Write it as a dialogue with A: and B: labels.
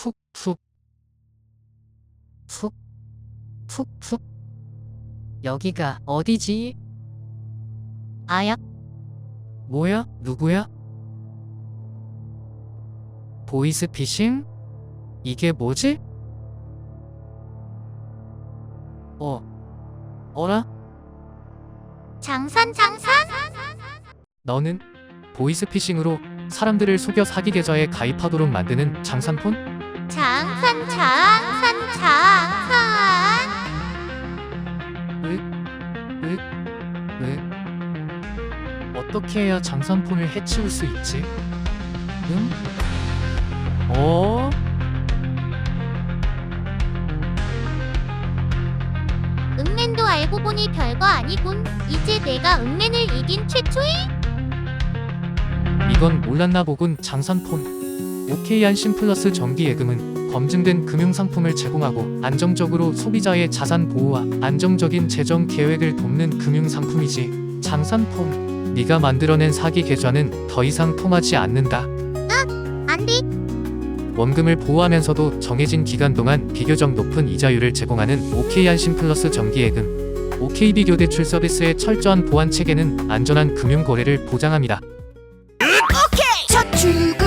A: 푹푹 푹 푹푹. 여기가 어디지?
B: 아야,
A: 뭐야? 누구야? 보이스피싱? 이게 뭐지? 어라?
B: 장산.
A: 너는 보이스피싱으로 사람들을 속여 사기 계좌에 가입하도록 만드는 장산폰?
B: 장산.
A: 왜? 어떻게 해야 장산폰을 해치울 수 있지? 응?
B: 읍맨도 알고 보니 별거 아니군. 이제 내가 읍맨을 이긴 최초의
A: 이건 몰랐나 보군. 장산폰. OK안심 플러스 정기예금은 검증된 금융상품을 제공하고 안정적으로 소비자의 자산 보호와 안정적인 재정 계획을 돕는 금융상품이지. 장산폰. 네가 만들어낸 사기 계좌는 더 이상 통하지 않는다.
B: 안 돼.
A: 원금을 보호하면서도 정해진 기간 동안 비교적 높은 이자율을 제공하는 OK안심 플러스 정기예금. OK비교대출 서비스의 철저한 보안 체계는 안전한 금융 거래를 보장합니다.
B: 첫 출근